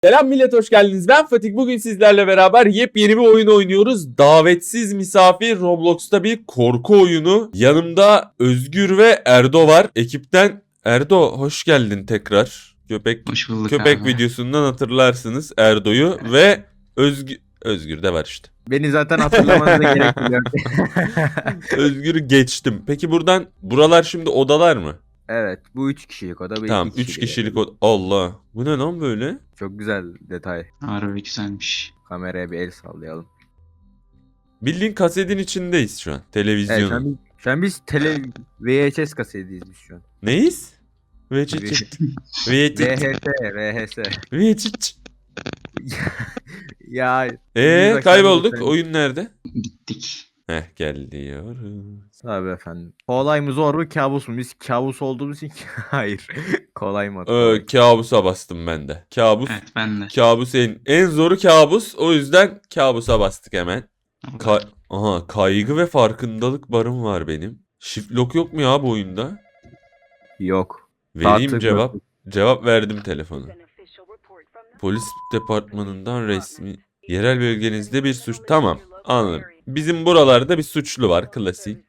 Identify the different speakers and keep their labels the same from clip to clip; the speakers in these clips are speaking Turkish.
Speaker 1: Selam millet, hoş geldiniz. Ben Fatih. Bugün sizlerle beraber yepyeni bir oyun oynuyoruz. Davetsiz misafir, Roblox'ta bir korku oyunu. Yanımda Özgür ve Erdo var. Ekipten Erdo, hoş geldin tekrar.
Speaker 2: Hoş bulduk
Speaker 1: Köpek
Speaker 2: abi.
Speaker 1: videosundan hatırlarsınız Erdo'yu ve Özgür de var işte.
Speaker 3: Beni zaten hatırlamanıza gerek yok.
Speaker 1: Özgür'ü geçtim. Peki buralar şimdi odalar mı?
Speaker 3: Evet, bu 3 kişilik oda.
Speaker 1: Tamam, 3 kişilik oda. Allah. Bu ne lan böyle?
Speaker 3: Çok güzel detay.
Speaker 2: Harbi güzelmiş.
Speaker 3: Kameraya bir el sallayalım.
Speaker 1: Bildiğin kasetin içindeyiz şu an.
Speaker 3: Evet,
Speaker 1: Televizyonun.
Speaker 3: şu an biz VHS kasetiyiz biz şu an.
Speaker 1: Neyiz? VHS.
Speaker 3: VHS. Ya
Speaker 1: Kaybolduk. Oyun nerede?
Speaker 2: Gittik.
Speaker 1: Heh, geliyoruz.
Speaker 3: Abi efendim. Kolay mı zor mu kabus mu? Biz kabus olduğumuz için hayır. Kolay mı?
Speaker 1: Kabusa bastım ben de. Kabus.
Speaker 2: Evet ben de.
Speaker 1: Kabus en zoru kabus. O yüzden kabusa bastık hemen. Kaygı ve farkındalık barım var benim. Shift lock yok mu ya bu oyunda?
Speaker 3: Yok.
Speaker 1: Vereyim
Speaker 3: Artık
Speaker 1: cevap.
Speaker 3: yok.
Speaker 1: Cevap verdim telefona. Polis departmanından resmi. Yerel bölgenizde bir suç. Tamam, anladım. Bizim buralarda bir suçlu var, klasik.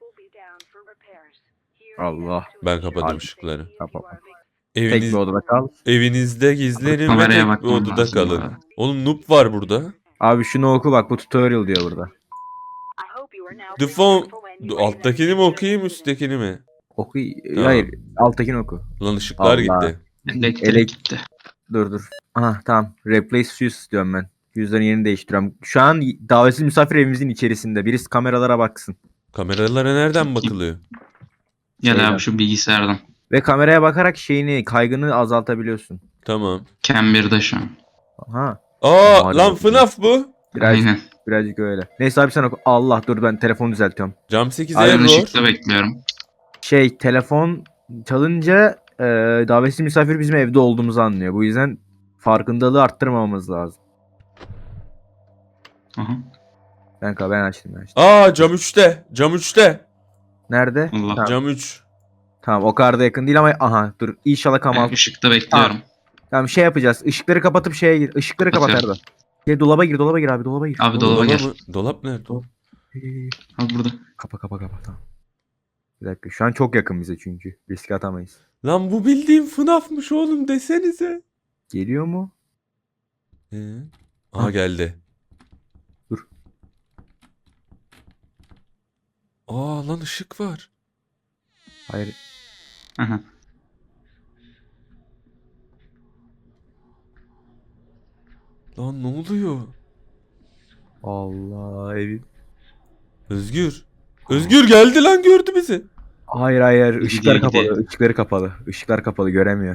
Speaker 3: Allah.
Speaker 1: Ben kapadım
Speaker 3: Abi.
Speaker 1: ışıkları.
Speaker 3: Kapama. Tek
Speaker 1: Eviniz,
Speaker 3: bir odada kal.
Speaker 1: evinizde gizlenin ve
Speaker 2: Kameraya
Speaker 1: tek bir
Speaker 2: bakmam
Speaker 1: odada
Speaker 2: lazım bu
Speaker 1: kalın.
Speaker 2: arada.
Speaker 1: Oğlum noob var burada.
Speaker 3: Abi şunu oku bak, bu tutorial diyor burada.
Speaker 1: The phone... Alttakini mi okuyayım, üsttekini mi?
Speaker 3: Oku.
Speaker 1: Tamam.
Speaker 3: Hayır, alttakini oku.
Speaker 1: Lan ışıklar
Speaker 3: Allah.
Speaker 1: gitti.
Speaker 2: Elektrik gitti.
Speaker 3: Dur. Aha tamam. Replace fuse diyorum ben. Fuse'ların yerini değiştiriyorum. Şu an davetsiz misafir evimizin içerisinde. Birisi kameralara baksın.
Speaker 1: Kameralara nereden bakılıyor?
Speaker 2: Gel
Speaker 3: Şeyden.
Speaker 2: abi şu bilgisayardan.
Speaker 3: Ve kameraya bakarak kaygını azaltabiliyorsun.
Speaker 1: Tamam.
Speaker 2: Cam 1'de şu an.
Speaker 3: Aha.
Speaker 1: Aa,
Speaker 3: Hadi
Speaker 1: lan
Speaker 3: bakalım.
Speaker 1: FNAF bu.
Speaker 2: Aynen.
Speaker 3: Birazcık öyle. Neyse abi sen oku. Allah dur, ben telefonu düzeltiyorum.
Speaker 1: Cam 8
Speaker 2: Ben
Speaker 1: error.
Speaker 2: ışıkta bekliyorum.
Speaker 3: Telefon çalınca davetsiz misafir bizim evde olduğumuzu anlıyor. Bu yüzden farkındalığı arttırmamamız lazım.
Speaker 2: Aha.
Speaker 3: Ben açtım.
Speaker 1: Aa, cam 3'te. Cam 3'te.
Speaker 3: Nerede?
Speaker 2: Allah.
Speaker 3: Tamam.
Speaker 1: Cam 3.
Speaker 3: Tamam, o kadar da yakın değil ama aha dur, inşallah
Speaker 2: Ben
Speaker 3: Kamal.
Speaker 2: ışıkta bekliyorum.
Speaker 3: Tamam, yapacağız. Işıkları kapatıp şeye gir. Işıkları kapat
Speaker 2: Kapatıyorum.
Speaker 3: Erdo. Dolaba gir abi, dolaba gir.
Speaker 2: Abi dolaba gel.
Speaker 1: mı? Dolap nerede?
Speaker 2: Abi burada.
Speaker 3: Kapa tamam. Bir dakika, şu an çok yakın bize çünkü. Riske atamayız.
Speaker 1: Lan bu bildiğim FNAF'mış oğlum, desenize.
Speaker 3: Geliyor mu?
Speaker 1: Aha, geldi.
Speaker 3: Dur.
Speaker 1: Aa, lan ışık var.
Speaker 3: Hayır.
Speaker 2: Aha.
Speaker 1: Lan ne oluyor?
Speaker 3: Allah evim.
Speaker 1: Özgür. Özgür geldi lan, gördü bizi.
Speaker 3: Hayır. Işıklar
Speaker 2: Gidiyor.
Speaker 3: kapalı. Işıklar kapalı. Göremiyor.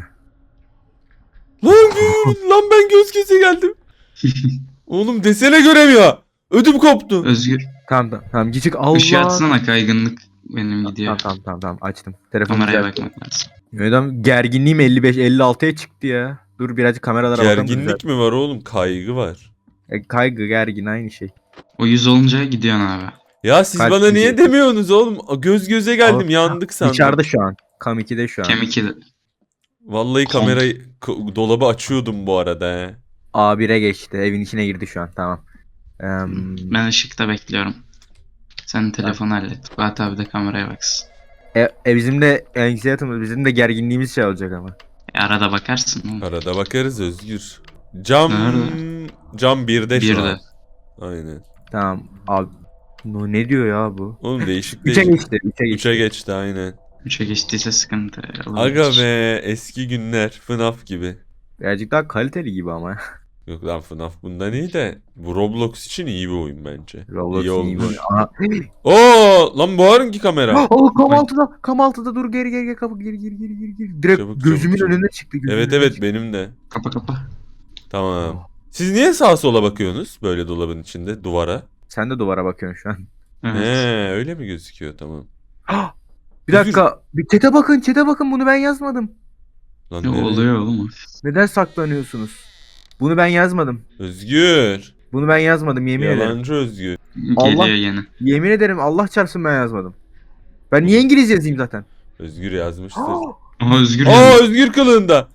Speaker 1: Lan ben göz göze geldim. Oğlum desene göremiyor. Ödüm koptu.
Speaker 2: Özgür.
Speaker 3: Tamam. Gidecek Allah.
Speaker 2: Işığı açsana, kaygınlık benim gidiyor.
Speaker 3: Tamam. Açtım. Telefonu
Speaker 2: Kameraya
Speaker 3: düzelttim.
Speaker 2: bakmak lazım.
Speaker 3: Adam gerginliğim 55-56'ya çıktı ya. Dur birazcık kameralara bakalım.
Speaker 1: Gerginlik mi var oğlum? Kaygı var.
Speaker 3: Kaygı, gergin aynı şey.
Speaker 2: O 100 olunca gidiyorsun abi.
Speaker 1: Ya siz
Speaker 3: Kalp
Speaker 1: bana niye
Speaker 3: gidiyor.
Speaker 1: demiyorsunuz oğlum? Göz göze geldim, yandık sandım.
Speaker 3: İçeride şu an. Cam 2'de şu an.
Speaker 2: Cam 2'de.
Speaker 1: Vallahi kamerayı, dolabı açıyordum bu arada he.
Speaker 3: A1'e geçti. Evin içine girdi şu an. Tamam.
Speaker 2: Ben ışıkta bekliyorum. Sen telefonu hallet. Fuat abi de kameraya baksın.
Speaker 3: Bizim de anxiety'miz, bizim de gerginliğimiz şey olacak ama.
Speaker 2: Arada bakarsın oğlum.
Speaker 1: Arada bakarız Özgür. Cam
Speaker 2: Nerede?
Speaker 1: Cam 1'de şu
Speaker 2: 1'de.
Speaker 1: an. Aynen.
Speaker 3: Tamam. Abi ne diyor ya bu?
Speaker 1: Oğlum değişik
Speaker 3: 3'e
Speaker 1: değişik.
Speaker 3: geçti. 3'e geçti.
Speaker 1: 3'e geçti aynen.
Speaker 2: 3'e geçtiyse sıkıntı olabilir.
Speaker 1: Aga be, eski günler FNAF gibi.
Speaker 3: Birazcık daha kaliteli gibi ama.
Speaker 1: Yok lan, FNAF bundan iyi de bu Roblox için iyi bir oyun bence.
Speaker 3: Roblox
Speaker 1: iyi olmuş.
Speaker 3: iyi böyle. Aha.
Speaker 1: Lan bu hangi kamera?
Speaker 3: Oh, Kam 6'da dur, geri kapı geri. Direkt
Speaker 1: Çabuk,
Speaker 3: gözümün
Speaker 1: çabuk.
Speaker 3: önüne çıktı.
Speaker 1: Evet benim de.
Speaker 2: Kapa.
Speaker 1: Tamam. Siz niye sağa sola bakıyorsunuz böyle dolabın içinde duvara?
Speaker 3: Sen de duvara bakıyorsun şu an.
Speaker 2: Evet.
Speaker 1: Öyle mi gözüküyor, tamam.
Speaker 3: Bir dakika. Bir chat'e bakın, bunu ben yazmadım.
Speaker 1: Lan
Speaker 2: Ne
Speaker 1: nereye?
Speaker 2: oluyor oğlum?
Speaker 3: Neden saklanıyorsunuz? Bunu ben yazmadım.
Speaker 1: Özgür.
Speaker 3: Bunu ben yazmadım, yemin ederim.
Speaker 1: Yalancı Özgür.
Speaker 2: Geliyor
Speaker 3: Allah-
Speaker 2: yine.
Speaker 3: Yemin ederim, Allah çarpsın ben yazmadım. Ben niye İngilizce yazayım zaten?
Speaker 1: Özgür yazmıştır.
Speaker 2: Aha Özgür
Speaker 1: Aa,
Speaker 2: geldi.
Speaker 1: Özgür kılığında.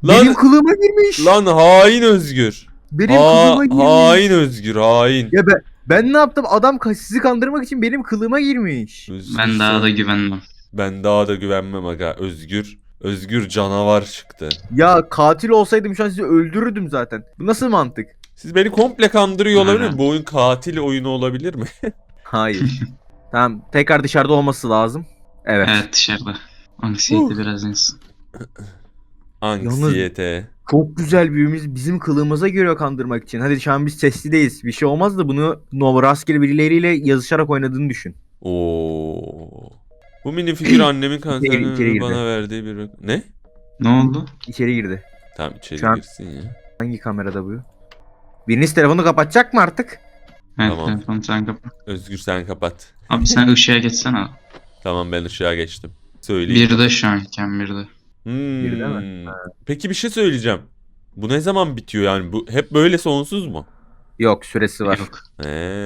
Speaker 1: Lan
Speaker 3: Benim kılığıma girmiş.
Speaker 1: lan hain Özgür.
Speaker 3: Benim kılığıma girmiş.
Speaker 1: Hain Özgür hain.
Speaker 3: Ya ben ne yaptım? Adam sizi kandırmak için benim kılığıma girmiş.
Speaker 1: Özgür
Speaker 2: Ben daha
Speaker 1: sen-
Speaker 2: da güvenmem.
Speaker 1: Ben daha da güvenmem aga. Özgür canavar çıktı.
Speaker 3: Ya katil olsaydım şu an sizi öldürürdüm zaten. Bu nasıl mantık?
Speaker 1: Siz beni komple kandırıyor olabilir mi?
Speaker 2: Aynen.
Speaker 1: Bu oyun katil oyunu olabilir mi?
Speaker 3: Hayır. Tamam, tekrar dışarıda olması lazım. Evet.
Speaker 2: Evet dışarıda. Anksiyete biraz insin.
Speaker 1: Anksiyete.
Speaker 3: Çok güzel büyümüz bizim kılığımıza giriyor kandırmak için. Hadi şu an biz seslideyiz. Bir şey olmaz da bunu rastgele birileriyle yazışarak oynadığını düşün.
Speaker 1: Oo. Bu mini figür annemin
Speaker 3: içeri
Speaker 1: kanserini
Speaker 3: girdi.
Speaker 1: bana verdiği bir... Ne?
Speaker 2: Ne oldu?
Speaker 3: İçeri girdi.
Speaker 1: Tamam içeri
Speaker 3: Şu an-
Speaker 1: girsin ya.
Speaker 3: Hangi kamerada bu? Biriniz telefonu kapatacak mı artık?
Speaker 2: Evet
Speaker 1: Tamam.
Speaker 2: telefonu sen kapat.
Speaker 1: Özgür sen kapat.
Speaker 2: Abi sen ışığa geçsene.
Speaker 1: Tamam ben ışığa geçtim. Söyleyeyim.
Speaker 2: Bir de şu an iken bir de.
Speaker 3: Bir de mi?
Speaker 1: Peki bir şey söyleyeceğim. Bu ne zaman bitiyor yani? Bu hep böyle sonsuz mu?
Speaker 3: Yok, süresi var.
Speaker 2: Yok.
Speaker 1: Eee.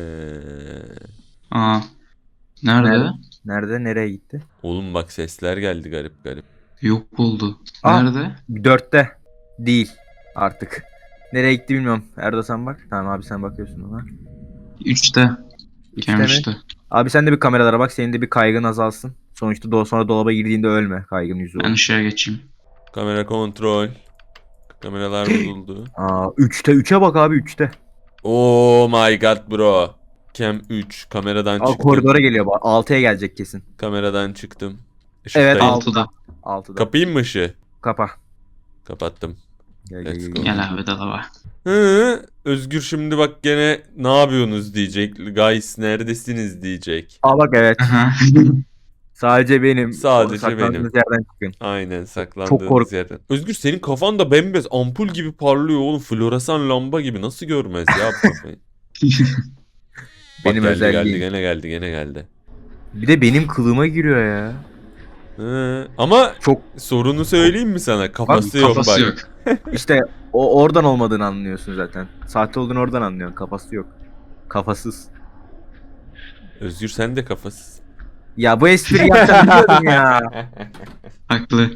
Speaker 2: Aa. Nerede?
Speaker 3: Nerede? Nerede? Nereye gitti?
Speaker 1: Oğlum bak sesler geldi garip garip.
Speaker 2: Yok oldu.
Speaker 3: Aa.
Speaker 2: Nerede?
Speaker 3: 4'te. Değil. Artık. Nereye gitti bilmiyorum. Erdo sen bak. Tamam abi, sen bakıyorsun ona.
Speaker 2: 3'te.
Speaker 3: 3'te
Speaker 2: Kem
Speaker 3: mi?
Speaker 2: 3'te.
Speaker 3: Abi sen de bir kameralara bak. Senin de bir kaygın azalsın. Sonuçta sonra dolaba girdiğinde ölme. Kaygın yüzü
Speaker 2: Ben
Speaker 3: olur.
Speaker 2: ışığa geçeyim.
Speaker 1: Kamera kontrol. Kameralar bozuldu.
Speaker 3: Aa, 3'te. 3'e bak abi, 3'te.
Speaker 1: Oh my god bro. Cam 3. Kameradan
Speaker 3: Aa,
Speaker 1: çıktım.
Speaker 3: koridora geliyor bak. 6'ya gelecek kesin.
Speaker 1: Kameradan çıktım.
Speaker 3: Evet,
Speaker 1: Işıktayım.
Speaker 2: 6'da.
Speaker 3: 6'da.
Speaker 1: Kapayım mı ışığı?
Speaker 3: Kapa.
Speaker 1: Kapattım.
Speaker 3: Gel,
Speaker 1: Let's
Speaker 3: gel, gel,
Speaker 1: go.
Speaker 3: gel.
Speaker 2: Gel abi dolaba.
Speaker 1: Hı, Özgür şimdi bak gene ne yapıyorsunuz diyecek. Guys neredesiniz diyecek.
Speaker 3: Aa bak, evet.
Speaker 2: Aha.
Speaker 3: Sadece benim.
Speaker 1: Sadece
Speaker 3: Saklandığınız
Speaker 1: benim.
Speaker 3: yerden çıkın.
Speaker 1: Aynen
Speaker 3: Çok
Speaker 1: saklandığınız
Speaker 3: kork-
Speaker 1: yerden. Özgür senin kafan da bembeyaz ampul gibi parlıyor oğlum. Floresan lamba gibi nasıl görmez ya bu kafayı. Bak
Speaker 3: Benim
Speaker 1: geldi,
Speaker 3: özelliğim.
Speaker 1: gene geldi.
Speaker 3: Bir de benim kılığıma giriyor ya.
Speaker 1: Hı, ama
Speaker 3: Çok
Speaker 1: sorunu söyleyeyim mi sana? Kafası yok
Speaker 2: Kafası
Speaker 1: bak.
Speaker 2: yok.
Speaker 3: işte o oradan olmadığını anlıyorsun zaten. Sahte olduğunu oradan anlıyorsun. Kafası yok. Kafasız.
Speaker 1: Özgür sen de kafasız.
Speaker 3: Ya bu espri yapacağım biliyordum ya.
Speaker 2: Haklı.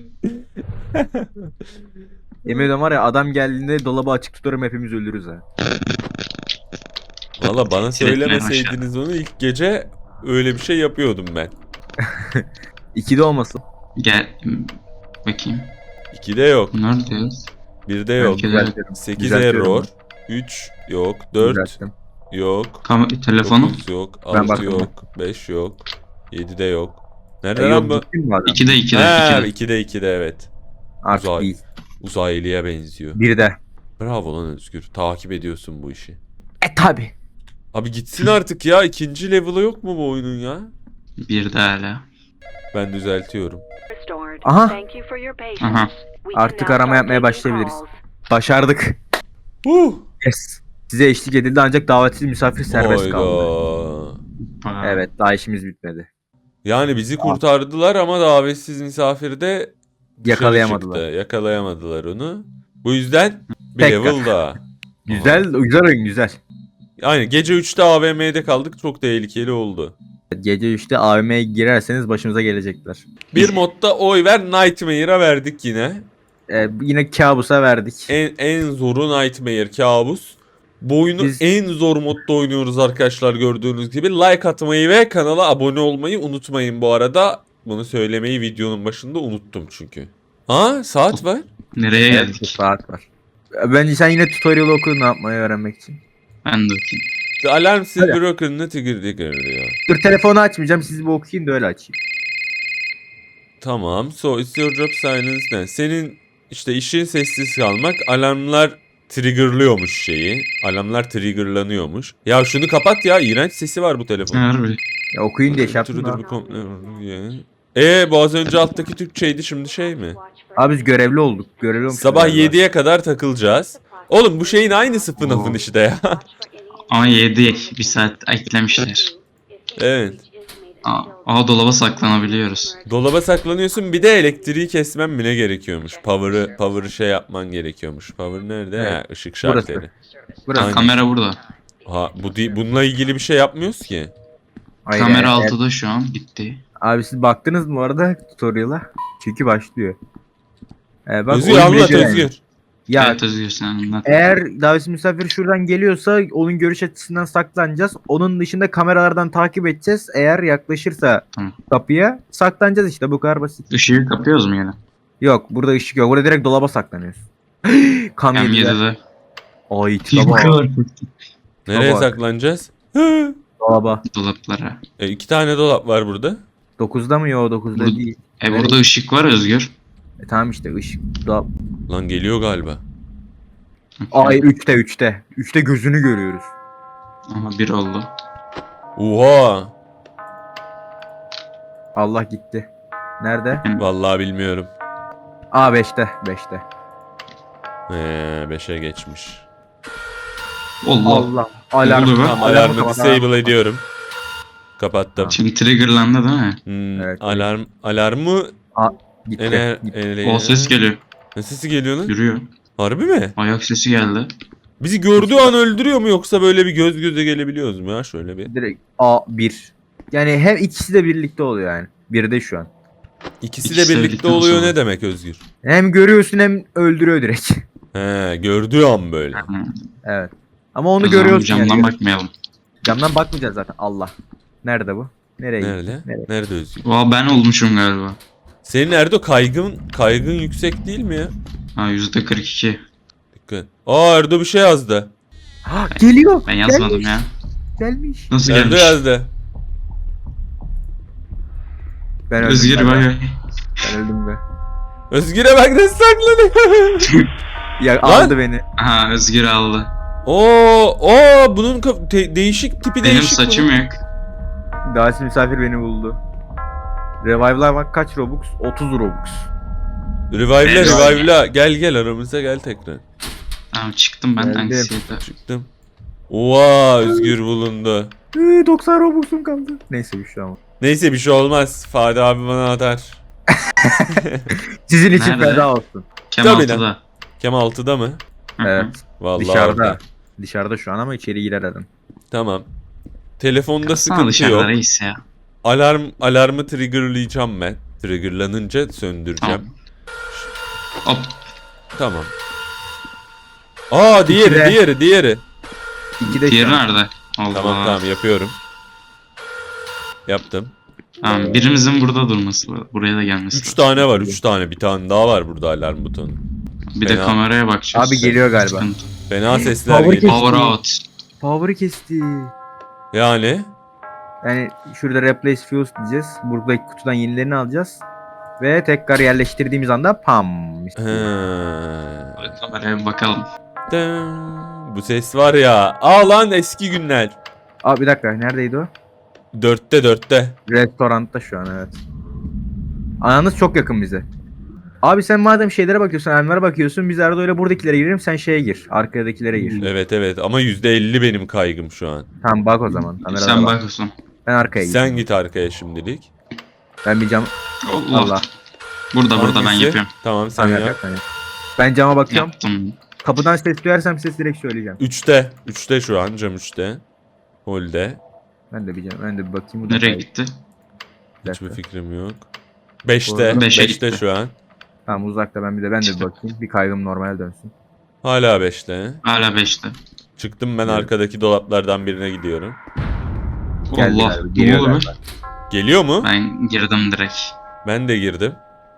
Speaker 3: Yemin ediyorum var ya, adam geldiğinde dolabı açık tutarım, hepimiz ölürüz ha.
Speaker 1: Valla bana
Speaker 2: Sürekli
Speaker 1: söylemeseydiniz onu ilk gece öyle bir şey yapıyordum ben.
Speaker 3: 2'de olmasın.
Speaker 2: Gel. Bakayım.
Speaker 1: 2'de yok.
Speaker 2: Neredeyiz?
Speaker 1: 1'de yok.
Speaker 2: Belki de-
Speaker 3: Düzeltiyorum.
Speaker 1: 8
Speaker 3: Düzeltiyorum
Speaker 1: error.
Speaker 3: ben.
Speaker 1: 3 yok. 4
Speaker 3: Düzelttim.
Speaker 1: yok.
Speaker 2: Telefonu.
Speaker 1: 9 yok.
Speaker 3: Ben
Speaker 1: 6
Speaker 3: baktım.
Speaker 1: yok. 5 yok. 7'de yok. Nerede
Speaker 3: Yok,
Speaker 1: lan bu?
Speaker 3: gittin mi adam?
Speaker 2: 2'de 2'de
Speaker 1: Ha,
Speaker 2: 2'de.
Speaker 1: 2'de evet.
Speaker 3: Artık
Speaker 1: Uzay.
Speaker 3: değil.
Speaker 1: Uzaylıya benziyor.
Speaker 3: 1'de.
Speaker 1: Bravo lan Özgür. Takip ediyorsun bu işi.
Speaker 3: Tabi.
Speaker 1: Abi gitsin artık ya. İkinci level'ı yok mu bu oyunun ya?
Speaker 2: 1'de hala.
Speaker 1: Ben düzeltiyorum.
Speaker 3: Aha.
Speaker 2: Aha.
Speaker 3: Artık arama yapmaya başlayabiliriz. Başardık. Yes. Size eşlik edildi ancak davetsiz misafir serbest kaldı.
Speaker 1: Hayda.
Speaker 2: Aa,
Speaker 3: Evet, daha işimiz bitmedi.
Speaker 1: Yani bizi kurtardılar ama davetsiz misafiri de dışarı
Speaker 3: Yakalayamadılar.
Speaker 1: çıktı. Yakalayamadılar onu. Bu yüzden bir
Speaker 3: Tekrar.
Speaker 1: level daha.
Speaker 3: Güzel, güzel oyun, güzel.
Speaker 1: Yani gece 3'te AVM'de kaldık. Çok tehlikeli oldu.
Speaker 3: Gece 3'te AVM'ye girerseniz başımıza gelecekler.
Speaker 1: Bir modda oy ver Nightmare'a verdik yine.
Speaker 3: Yine kabusa verdik.
Speaker 1: En zoru Nightmare kabus. Bu oyunu
Speaker 3: Biz-
Speaker 1: en zor modda oynuyoruz arkadaşlar gördüğünüz gibi. Like atmayı ve kanala abone olmayı unutmayın bu arada. Bunu söylemeyi videonun başında unuttum çünkü. Ha saat var.
Speaker 2: Nereye
Speaker 3: Evet, bir
Speaker 2: geldik?
Speaker 3: saat var. Bence sen yine tutorial oku ne yapmayı öğrenmek için.
Speaker 2: Ben de okuyayım.
Speaker 1: The alarm still
Speaker 3: Hadi.
Speaker 1: broken ne tigir diyor.
Speaker 3: Dur, telefonu açmayacağım, siz bir okuyun da öyle açayım.
Speaker 1: Tamam. So it's your job silence ne? Senin işte işin sessiz kalmak. Alarmlar triggerlıyormuş şeyi. Alarmlar triggerlanıyormuş. Ya şunu kapat ya. İğrenç sesi var bu telefonun.
Speaker 2: Harbi.
Speaker 3: Ya okuyun diye şey yaptım
Speaker 1: Türüdür
Speaker 3: da.
Speaker 1: bu bu az önce alttaki Türkçeydi şimdi şey mi?
Speaker 3: Abi biz görevli olduk. Görevli olmuşuz
Speaker 1: Sabah
Speaker 3: galiba.
Speaker 1: 7'ye kadar takılacağız. Oğlum bu şeyin aynısı FNAF'ın işte ya.
Speaker 2: Ama 7 bir saat eklemişler.
Speaker 1: Evet.
Speaker 2: Dolaba saklanabiliyoruz.
Speaker 1: Dolaba saklanıyorsun bir de elektriği kesmen mi ne gerekiyormuş? Power'ı şey yapman gerekiyormuş. Power nerede?
Speaker 3: Evet.
Speaker 1: Ha, ışık
Speaker 3: Burası.
Speaker 1: şartları.
Speaker 3: Burası.
Speaker 1: Aynen.
Speaker 2: Kamera burada.
Speaker 1: Ha bununla ilgili bir şey yapmıyoruz ki.
Speaker 3: Hayır,
Speaker 2: Kamera
Speaker 3: evet.
Speaker 2: 6'da şu an bitti.
Speaker 3: Abi siz baktınız mı bu arada tutorial'a? Çünkü başlıyor. Bak,
Speaker 1: Özgür
Speaker 3: oyun
Speaker 1: anlat
Speaker 3: beceri.
Speaker 1: Özgür.
Speaker 3: Ya
Speaker 2: Evet Özgür sen anlat.
Speaker 3: eğer davetsiz misafir şuradan geliyorsa onun görüş açısından saklanacağız. Onun dışında kameralardan takip edeceğiz. Eğer yaklaşırsa
Speaker 2: Tamam.
Speaker 3: kapıya saklanacağız işte, bu kadar basit.
Speaker 2: Işığı kapıyoruz mu yine?
Speaker 3: Yok, burada ışık yok. Burada direkt dolaba saklanıyoruz. Kam yedi.
Speaker 2: M7'de.
Speaker 3: Ay tipe bak.
Speaker 1: Nereye
Speaker 3: Bak.
Speaker 1: saklanacağız? Hı.
Speaker 3: Dolaba.
Speaker 2: Dolaplara.
Speaker 1: 2 tane dolap var burada.
Speaker 3: 9'da mı? Yok 9'da
Speaker 2: Bu-
Speaker 3: değil.
Speaker 2: Burada ışık var Özgür.
Speaker 3: Tamam işte ışık. Dolap.
Speaker 1: Lan geliyor galiba.
Speaker 3: Ay 3'te 3'te. 3'te gözünü görüyoruz.
Speaker 2: Ama bir oldu.
Speaker 1: Oha.
Speaker 3: Allah gitti. Nerede?
Speaker 1: Vallahi bilmiyorum.
Speaker 3: Aa 5'te. 5'te.
Speaker 1: 5'e geçmiş.
Speaker 2: Allah.
Speaker 3: Allah. Alarm.
Speaker 2: Oldu be.
Speaker 1: Tamam, alarmı
Speaker 3: kapat,
Speaker 1: disable ediyorum. Kapattım.
Speaker 2: Şimdi triggerlandı değil mi?
Speaker 3: Evet.
Speaker 1: Alarmı
Speaker 3: Gitti. gitti.
Speaker 2: O ses geliyor.
Speaker 1: Ne sesi geliyor lan?
Speaker 2: Yürüyor.
Speaker 1: Harbi mi?
Speaker 2: Ayak sesi geldi.
Speaker 1: Bizi gördüğü an öldürüyor mu yoksa böyle bir göz göze gelebiliyoruz mu ya şöyle bir?
Speaker 3: Direkt A1. Yani hem ikisi de birlikte oluyor yani. Bir de şu an.
Speaker 1: İkisi
Speaker 2: İkisi
Speaker 1: de
Speaker 2: de
Speaker 1: birlikte
Speaker 2: birlikten
Speaker 1: oluyor
Speaker 2: sonra.
Speaker 1: ne demek Özgür?
Speaker 3: Hem görüyorsun hem öldürüyor direkt.
Speaker 1: He, gördüğü an böyle.
Speaker 3: Evet. Ama onu
Speaker 2: O zaman
Speaker 3: görüyorsun
Speaker 2: camdan
Speaker 3: yani.
Speaker 2: bakmayalım.
Speaker 3: Camdan bakmayacağız zaten. Allah. Nerede bu? Nereye gitti?
Speaker 1: Nerede?
Speaker 3: Nereye?
Speaker 1: Nerede Özgür?
Speaker 2: Valla ben olmuşum galiba.
Speaker 1: Senin Erdo kaygın yüksek değil mi ya?
Speaker 2: Ha %42.
Speaker 1: Dikkat. Aa Erdo bir şey yazdı.
Speaker 3: Ha, geliyor.
Speaker 2: Ben yazmadım
Speaker 3: Gelmiş.
Speaker 2: ya.
Speaker 3: Gelmiş.
Speaker 2: Nasıl
Speaker 1: Erdo
Speaker 2: gelmiş?
Speaker 1: yazdı.
Speaker 3: Ben öldüm.
Speaker 2: Özgür
Speaker 3: ben,
Speaker 2: bak.
Speaker 3: ben öldüm be.
Speaker 1: Özgür'e bak nasıl saklanıyor.
Speaker 3: Ya
Speaker 1: Lan!
Speaker 3: aldı beni.
Speaker 2: Aha Özgür aldı.
Speaker 1: Oo bunun değişik tipi
Speaker 2: Benim
Speaker 1: değişik.
Speaker 2: saçım
Speaker 1: bunun.
Speaker 2: yok.
Speaker 3: Davetsiz misafir beni buldu. Revive'lar bak kaç Robux? 30 Robux.
Speaker 1: Revive'la gel aramıza gel tekrar.
Speaker 2: Tamam çıktım ben
Speaker 3: Geldim.
Speaker 2: anksiyete.
Speaker 1: Çıktım. Oha Özgür bulundu.
Speaker 3: 90 Robux'um kaldı. Neyse bir şey ama.
Speaker 1: Neyse bir şey olmaz. Fadi abi bana atar.
Speaker 3: Sizin için
Speaker 2: Nerede?
Speaker 3: feda olsun.
Speaker 2: Kem
Speaker 1: Tabii
Speaker 2: 6'da.
Speaker 1: Kem 6'da mı?
Speaker 2: Hı hı.
Speaker 3: Evet.
Speaker 1: Vallahi
Speaker 3: Dışarıda.
Speaker 1: orada.
Speaker 3: Dışarıda şu an ama içeri girer adam.
Speaker 1: Tamam. Telefonda
Speaker 2: Sana
Speaker 1: sıkıntı
Speaker 2: dışarıda
Speaker 1: yok.
Speaker 2: reis ya.
Speaker 1: Alarmı triggerlayacağım ben. Triggerlanınca söndüreceğim.
Speaker 2: Hop.
Speaker 1: Tamam. Aa diğeri.
Speaker 3: 2'de şu
Speaker 2: Diğeri
Speaker 3: an.
Speaker 2: nerede? Allah.
Speaker 1: Tamam yapıyorum. Yaptım.
Speaker 2: Tamam birimizin burada durması lazım. Buraya da gelmesi
Speaker 1: 3
Speaker 2: lazım.
Speaker 1: tane var 3 tane. Bir tane daha var burada alarm butonu.
Speaker 2: Bir de
Speaker 1: Fena.
Speaker 2: kameraya bakacağız.
Speaker 3: Abi geliyor galiba.
Speaker 2: Sıkıntı.
Speaker 1: Fena sesler
Speaker 3: Power
Speaker 1: geliyor.
Speaker 2: Power out.
Speaker 3: Power'ı kesti.
Speaker 1: Yani.
Speaker 3: Yani şurada replace fuse diyeceğiz. Buradaki kutudan yenilerini alacağız. Ve tekrar yerleştirdiğimiz anda pam.
Speaker 1: He.
Speaker 2: Kameraya bir bakalım.
Speaker 1: Bu ses var ya. Aa lan eski günler.
Speaker 3: Aa bir dakika neredeydi o?
Speaker 1: 4'te.
Speaker 3: Restoranda şu an evet. Ananız çok yakın bize. Abi sen madem şeylere bakıyorsun, Enver'e bakıyorsun, biz Erdo ile buradakilere girelim, sen şeye gir, arkadakilere gir.
Speaker 1: Evet ama %50 benim kaygım şu an.
Speaker 3: Tamam bak o zaman. Kamerada
Speaker 2: Sen
Speaker 3: bak.
Speaker 2: bak Osman.
Speaker 3: Ben arkaya gideyim.
Speaker 1: Sen git arkaya şimdilik.
Speaker 3: Ben bir cam...
Speaker 2: Allah.
Speaker 3: Allah.
Speaker 2: Burada ben
Speaker 1: Hangisi?
Speaker 2: yapıyorum.
Speaker 1: Tamam sen
Speaker 3: Sen
Speaker 1: yap.
Speaker 3: yap. sen yap. Ben cama bakıyorum.
Speaker 2: Yaptım.
Speaker 3: Kapıdan ses duyarsam ses direkt söyleyeceğim.
Speaker 1: 3'te şu an cam 3'te. Holde.
Speaker 3: Ben de bir bakayım. Burada
Speaker 2: Nereye
Speaker 3: kay-
Speaker 2: gitti?
Speaker 3: Bir
Speaker 1: Hiçbir
Speaker 3: dakika.
Speaker 1: fikrim yok. 5'te.
Speaker 3: Orada.
Speaker 2: 5'e
Speaker 1: 5'te
Speaker 2: gitti.
Speaker 1: şu an.
Speaker 3: Tamam uzakta ben de bir bakayım. Bir kaygım normale dönsün.
Speaker 1: Hala 5'te.
Speaker 2: Hala 5'te.
Speaker 1: Çıktım ben
Speaker 3: Evet.
Speaker 1: arkadaki dolaplardan birine gidiyorum.
Speaker 3: Geldi
Speaker 2: Allah.
Speaker 3: galiba,
Speaker 2: Ne
Speaker 3: geliyor
Speaker 2: oldu be?
Speaker 3: galiba.
Speaker 1: Geliyor mu?
Speaker 2: Ben girdim direkt.
Speaker 1: Ben de girdim.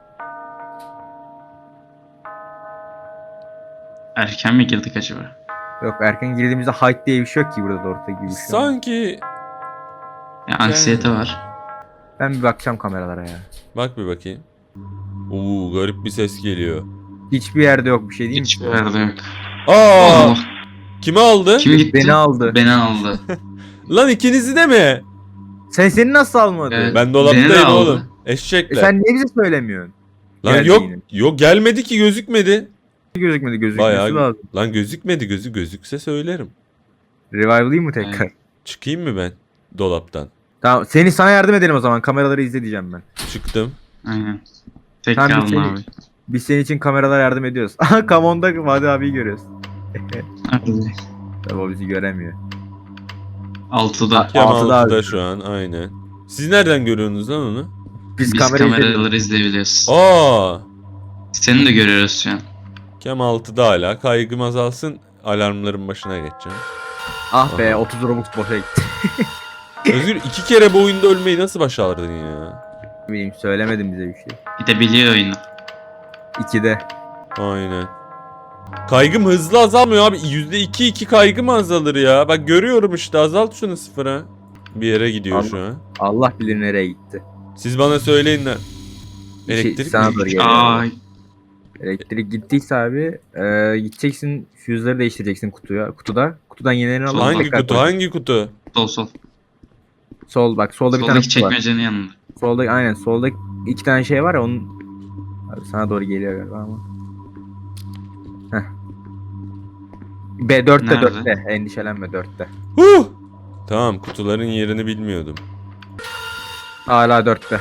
Speaker 2: Erken mi girdik acaba?
Speaker 3: Yok erken girdiğimizde height diye bir şey yok ki burada da orta gibi bir şey.
Speaker 1: Sanki...
Speaker 2: Ya anksiyete var.
Speaker 3: Ben bir bakacağım kameralara ya.
Speaker 1: Bak bir bakayım. Garip bir ses geliyor.
Speaker 3: Hiçbir yerde yok bir şey değil mi?
Speaker 2: Hiçbir yerde yok.
Speaker 1: Aa!
Speaker 2: Allah.
Speaker 1: Kimi aldı?
Speaker 2: Kim gitti?
Speaker 3: Beni aldı.
Speaker 2: Beni aldı.
Speaker 1: Lan ikinizi de mi?
Speaker 3: Seni nasıl almadı?
Speaker 2: Evet.
Speaker 1: Ben
Speaker 2: Beni de
Speaker 1: dolaptayım
Speaker 2: aldı.
Speaker 1: oğlum. Eşekler.
Speaker 3: Sen niye bize söylemiyorsun?
Speaker 1: Lan
Speaker 3: Geldi
Speaker 1: yok.
Speaker 3: yine.
Speaker 1: Yok gelmedi ki gözükmedi.
Speaker 3: Gözükmedi
Speaker 1: Bayağı-
Speaker 3: lazım.
Speaker 1: Lan gözükmedi gözükse söylerim.
Speaker 3: Revive'layım mı tekrar?
Speaker 2: Evet.
Speaker 1: Çıkayım mı ben dolaptan?
Speaker 3: Tamam sana yardım edelim o zaman. Kameraları izle diyeceğim ben.
Speaker 1: Çıktım.
Speaker 2: Aynen. Tek
Speaker 3: Tamam,
Speaker 2: kaldım
Speaker 3: bir seni-
Speaker 2: abi.
Speaker 3: Biz senin için kameralara yardım ediyoruz. Aha Come On'da Vadi abiyi görüyoruz.
Speaker 2: Hadi.
Speaker 3: Tabii o bizi göremiyor.
Speaker 2: 6'da.
Speaker 1: Kem
Speaker 3: Altıda
Speaker 1: 6'da
Speaker 3: abi.
Speaker 1: şu an aynen. Siz nereden görüyorsunuz lan onu?
Speaker 3: Biz,
Speaker 2: Biz
Speaker 3: kamera izledik.
Speaker 2: kameraları izleyebiliyoruz.
Speaker 1: Aa!
Speaker 2: Seni de görüyoruz şu an.
Speaker 1: Kem 6'da hala. Kaygım azalsın. Alarmların başına geçeceğim.
Speaker 3: Ah be
Speaker 1: Aha.
Speaker 3: 30 Robux boşa gitti.
Speaker 1: Özgür 2 kere bu oyunda ölmeyi nasıl başardın ya?
Speaker 3: Bileyim söylemedim bize bir şey.
Speaker 2: Bir de biliyor oyunu.
Speaker 3: 2'de.
Speaker 1: Aynen. Kaygım hızlı azalmıyor abi. %2 kaygı mı azalır ya? Bak görüyorum işte, azalt şunu sıfıra. Bir yere gidiyor
Speaker 3: Abi,
Speaker 1: şu an.
Speaker 3: Allah bilir nereye gitti.
Speaker 1: Siz bana söyleyin lan. Elektrik
Speaker 3: sana
Speaker 1: mi?
Speaker 3: doğru geliyor.
Speaker 2: Ay.
Speaker 3: Elektrik gittiyse abi gideceksin füzeleri değiştireceksin kutuda. Kutudan yenilerini alıp
Speaker 1: Hangi
Speaker 3: tekrar
Speaker 1: kutu?
Speaker 3: koyacaksın.
Speaker 1: Hangi kutu?
Speaker 2: Sol.
Speaker 3: Sol bak solda bir tane
Speaker 2: Soldaki
Speaker 3: kutu var.
Speaker 2: çekmecenin yanında.
Speaker 3: Solda aynen solda 2 tane şey var ya onun. Abi sana doğru geliyor galiba ama. Heh. B4'te
Speaker 2: Nerede?
Speaker 3: 4'te endişelenme 4'te.
Speaker 1: Huh! Tamam, kutuların yerini bilmiyordum.
Speaker 3: Hala 4'te.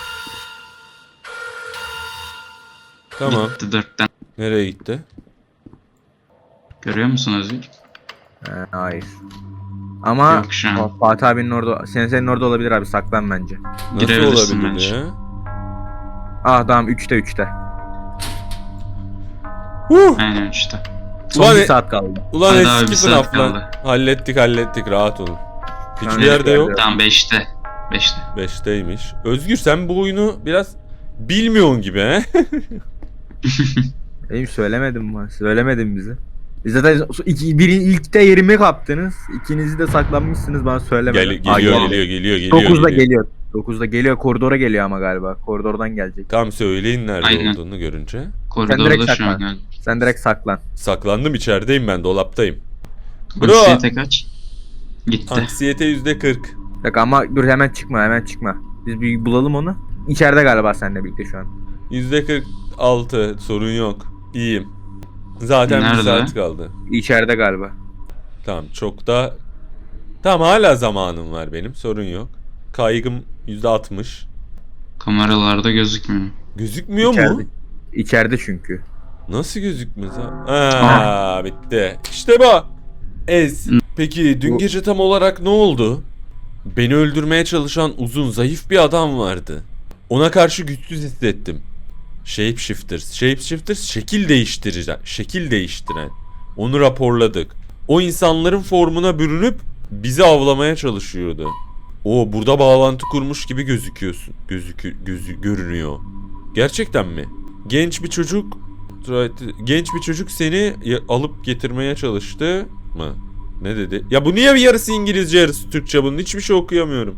Speaker 1: Tamam.
Speaker 2: Gitti 4'ten.
Speaker 1: Nereye gitti?
Speaker 2: Görüyor musun Özgür?
Speaker 3: Hayır. Ama
Speaker 2: Yok şu an.
Speaker 3: Fatih abinin orada senin orada olabilir abi saklan bence.
Speaker 1: Nasıl
Speaker 2: Girebilirsin
Speaker 1: olabilir
Speaker 2: bence.
Speaker 1: ya?
Speaker 3: Ah tamam 3'te.
Speaker 1: Huh!
Speaker 2: Aynen işte.
Speaker 3: Son
Speaker 1: Ulan,
Speaker 3: bir saat kaldı.
Speaker 1: ulan
Speaker 2: Hadi abi, bir
Speaker 1: eski
Speaker 2: saat
Speaker 1: FNAF lan.
Speaker 2: kaldı.
Speaker 1: Hallettik rahat olun. Hiçbir
Speaker 3: Aynen,
Speaker 1: yerde yok.
Speaker 2: Tamam 5'te. 5'te.
Speaker 1: 5'teymiş. Özgür sen bu oyunu biraz bilmiyorsun gibi he?
Speaker 3: Benim söylemedim mi? Söylemedim bize. Biz zaten ilkte yerimi kaptınız. İkinizi de saklanmışsınız bana söylemedin.
Speaker 1: Geliyor.
Speaker 3: 9'da geliyor. 9'da geliyor. Koridora geliyor ama galiba. Koridordan gelecek.
Speaker 1: Tam söyleyin nerede
Speaker 2: Aynen.
Speaker 1: olduğunu görünce.
Speaker 3: direkt
Speaker 2: Koridorda şu
Speaker 3: saklan.
Speaker 2: an galiba.
Speaker 3: Sen direkt saklan.
Speaker 1: Saklandım, içerideyim ben, dolaptayım. Bro.
Speaker 2: Anksiyete kaç? Gitti.
Speaker 1: Anksiyete %40.
Speaker 3: Bak ama dur hemen çıkma. Biz bir bulalım onu. İçeride galiba seninle birlikte şu an.
Speaker 1: %46, sorun yok. İyiyim. Zaten bir
Speaker 2: Nerede?
Speaker 1: saat kaldı.
Speaker 3: İçeride galiba.
Speaker 1: Tamam, çok da... Tamam, hala zamanım var benim, sorun yok. Kaygım %60.
Speaker 2: Kameralarda gözükmüyor.
Speaker 1: Gözükmüyor
Speaker 3: İçeride.
Speaker 1: mu?
Speaker 3: İçeride çünkü.
Speaker 1: Nasıl gözükmez ha? Bitti. İşte bu. Ez. Peki dün
Speaker 3: Bu-
Speaker 1: gece tam olarak ne oldu? Beni öldürmeye çalışan uzun, zayıf bir adam vardı. Ona karşı güçsüz hissettim. Shapeshifters şekil değiştiren. Onu raporladık. O insanların formuna bürünüp bizi avlamaya çalışıyordu. O burada bağlantı kurmuş gibi gözüküyorsun. Görünüyor. Gerçekten mi? Genç bir çocuk seni alıp getirmeye çalıştı mı? Ne dedi? Ya bu niye bir yarısı İngilizce yarısı Türkçe, bunun hiçbir şey okuyamıyorum.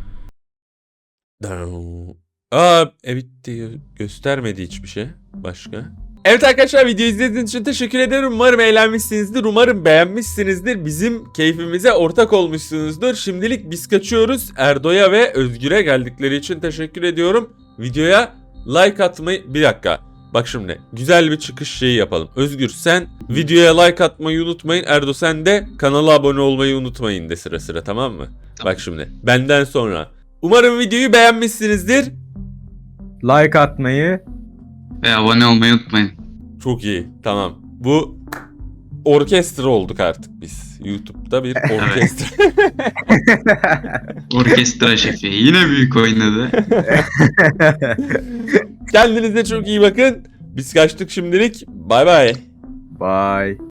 Speaker 1: Evet göstermedi hiçbir şey. Başka? Evet arkadaşlar, video izlediğiniz için teşekkür ederim. Umarım eğlenmişsinizdir. Umarım beğenmişsinizdir. Bizim keyfimize ortak olmuşsunuzdur. Şimdilik biz kaçıyoruz. Erdo'ya ve Özgür'e geldikleri için teşekkür ediyorum. Videoya like atmayı... Bir dakika. Bak şimdi güzel bir çıkış şeyi yapalım. Özgür sen videoya like atmayı unutmayın. Erdo sen de kanala abone olmayı unutmayın de sıra tamam mı?
Speaker 2: Tamam.
Speaker 1: Bak şimdi benden sonra. Umarım videoyu beğenmişsinizdir.
Speaker 3: Like atmayı.
Speaker 2: Ve abone olmayı unutmayın.
Speaker 1: Çok iyi, tamam. Bu orkestra olduk artık biz. YouTube'da bir orkestra.
Speaker 2: Orkestra şefi yine büyük oynadı.
Speaker 1: Kendinize çok iyi bakın. Biz kaçtık şimdilik. Bay bay.
Speaker 3: Bye.